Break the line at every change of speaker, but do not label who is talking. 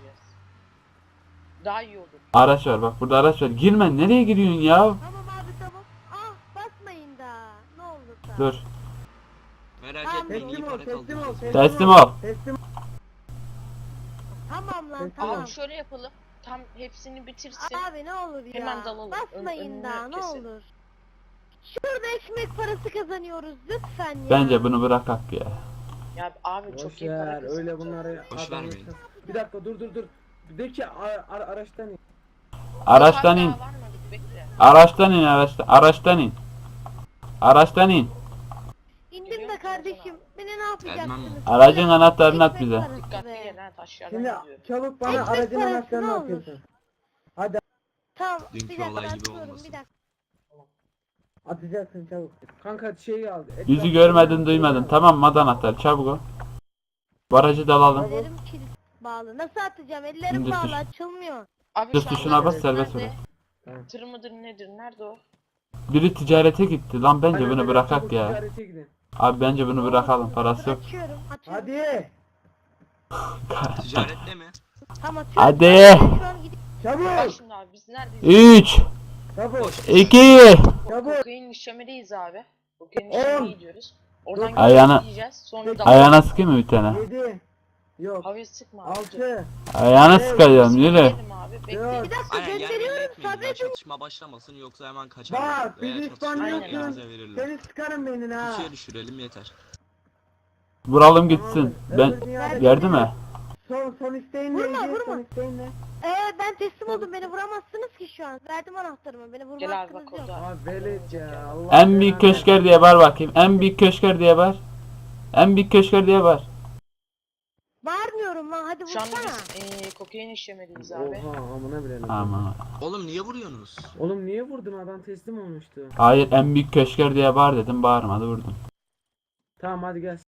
gireceğiz. Daha iyi olur.
Araç var, bak burada araç var. Girme, nereye gidiyorsun ya?
Tamam abi tamam. Ah basmayın da. Ne olur da.
Dur.
Merak
Tamam,
etmeyin, iyi
Teslim ol,
para
teslim ol,
kaldıracağız.
Teslim ol.
Teslim.
Tamam lan
Tamam.
tamam.
Abi şöyle yapalım. Tam hepsini bitirsin.
Abi ne olur ya.
Hemen dalalım.
Basmayın
Önünü
da ne
kesin.
olur. Şurada ekmek parası kazanıyoruz lütfen ya.
Bence bunu bırakak ya.
Ya abi çok
Boş
iyi para
ver, öyle
kazanacağız.
bunları
Boş
adam
vermeyin.
yapsın. Bir dakika dur. De ki araçtan in.
Araçtan in.
Daha varmadık, bekle.
Araçtan in, araçtan in. Araçtan in.
İndim de kardeşim. Beni ne yapacaksınız?
Aracın anahtarını at
Ekmek
bize.
parası
Dikkatli
be.
gel ha, taşlardan
Şimdi
gidiyor.
çabuk bana
Ekmek
aracın
parası
anahtarını
ne olur?
atıyorsun.
Tamam
Dünkü
bir dakika
olay gibi
atıyorum
olmasın.
bir dakika.
Atacaksın çabuk. Kanka şeyi al.
Yüzü görmedin duymadın. Tamam mı anahtar, çabuk ol. Bu aracı da alalım.
Ellerim kilit bağlı. Nasıl atacağım? Ellerim
İndir
bağlı
tuş.
açılmıyor.
Abi
Dur
şu
tuşuna
anda
bas, serbest
nerede?
bırak.
Tamam.
Tır mıdır nedir? Nerede o?
Biri ticarete gitti lan, bence
Aynen
bunu
öyle,
bırakak
çabuk
ya.
ticarete gidin.
Abi bence bunu bırakalım, parası yok.
Açıyorum.
Hadi.
Ticarette mi?
Tamam atıyorum.
Hadi.
Ben şu an gidip
Bak
Çabuk.
şimdi abi biz neredeyiz?
3
Çabuk.
2
Çabuk.
Kokain işlemedeyiz abi. Kokain
On.
işlemeye gidiyoruz. Oradan
Ayağına-
gideceğiz. Sonra da
Ayağına sıkayım mı bir tane?
7. Yok.
Havaya sıkma abi.
6.
Ayağına sıkacağım, yürü.
Gidelim abi. Bekle.
Yok.
bir dakika
Aynen, yer belli
gönderiyorum
etmeyin. Daha
sabredin.
çatışma başlamasın, yoksa hemen kaçar.
Bak
Veya
bizi
çatışma
İspanyolsun.
elimize verirler.
Seni sıkarım beynine ha.
İkiye düşürelim yeter.
Vuralım gitsin. Ben
Öbür dünyada-
geldi mi?
Son isteğin
Vurma,
neydi?
vurma.
Son isteğin ne?
Ben teslim oldum. Beni vuramazsınız ki şu an. Verdim anahtarımı. Beni vurma
Gel abi
hakkınız
bak
yok.
orada.
Abi velet ya. Allah
En büyük
belanı
köşker diye bağır bakayım. En büyük köşker diye bağır. En büyük köşker diye bağır.
Bağırmıyorum lan. Hadi
Şu anda
vursana.
biz kokain işlemedeyiz
versin.
abi.
Oha amına bilelim.
Aman.
Oğlum niye vuruyorsunuz?
Oğlum niye vurdun, adam teslim olmuştu.
Hayır, en büyük köşker diye bağır dedim, bağırmadı, vurdum.
Tamam hadi gel.